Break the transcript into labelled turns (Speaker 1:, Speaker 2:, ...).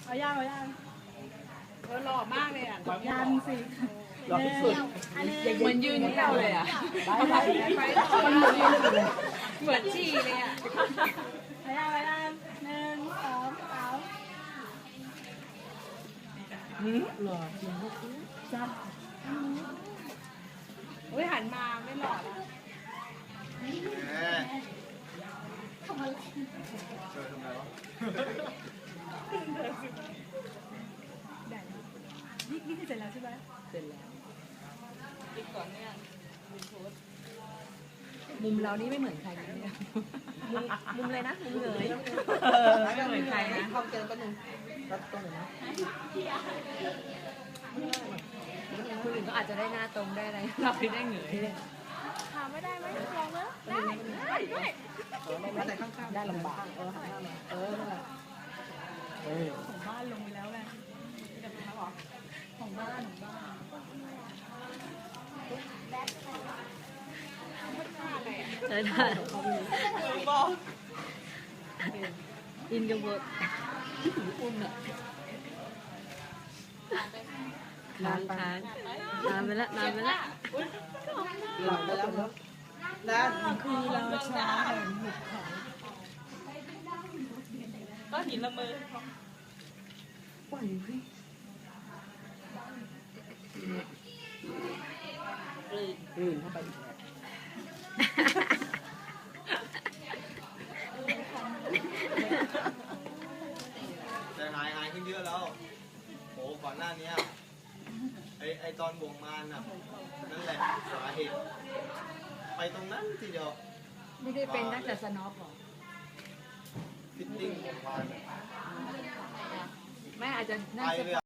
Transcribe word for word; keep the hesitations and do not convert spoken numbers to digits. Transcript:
Speaker 1: เอาย่างเอาย่าง
Speaker 2: เออหล่อมากเลยอ่ะ
Speaker 1: ยันสิ
Speaker 3: รอที่สุด
Speaker 2: เหมือนยืนเที่ยวเลยอ่ะ
Speaker 1: ได้
Speaker 2: มันเหมือนเหมือนจีเลยอ่ะ
Speaker 1: เอาย่างเอาย่างหนึ่งสองสาม
Speaker 3: หล่อจริงลูก
Speaker 1: จับ
Speaker 2: เฮ้ยหันมาไม่หล่อแล้ว
Speaker 1: ทำอะไร
Speaker 4: เจอทำไมวะ
Speaker 1: ได้นี่นี่คือเสร็จแล้วใช่ไหม
Speaker 3: เสร็จแล้ว
Speaker 2: อีกก่อนเนี่ย
Speaker 3: มุมเรานี่ไม่เหมือนใครนะเนี่ย
Speaker 1: มุมมุมเลยนะมุมเลย
Speaker 3: เออไม่เหมือนใครนะเข้าเจอกันหนึ่งรัดตรงนะคนอื่นก็อาจจะได้หน้าตรงได้อะไรเราไม่ได้เหงื่อ
Speaker 1: ถามไม่ได้ไหมลองแล้วได้ได้ด้วย
Speaker 3: ได้แต่ข้างๆได้ลำบากเออหันหน้ามาเออเออ
Speaker 1: ของบ้านลงไปแล้วไงของบ้านของบ้าน
Speaker 3: ใช่ได้อินกับเวิร์ดอุ่นอ่ะนานนานนานไปละนานไปละหลับไปแล้วเนาะนาน
Speaker 1: คือราชาแห่งหุบเขา
Speaker 2: ก็หินละมือ
Speaker 3: ปล่อยพี่ อื่นเข้าไปอีกแล้ว
Speaker 4: แต่หายหายขึ้นเยอะแล้วโหก่อนหน้านี้ไอไอตอนบ่วงมารน่ะนั่นแหละสาเหตุไปตรงนั้นทีเดียว
Speaker 3: ไม่ได้เป็นนักแต่สน็อปหรอ
Speaker 4: ฟิตติ้งบ่วงมาร
Speaker 3: แม่อาจจะ
Speaker 4: ไป
Speaker 3: น่าจะ
Speaker 4: เลย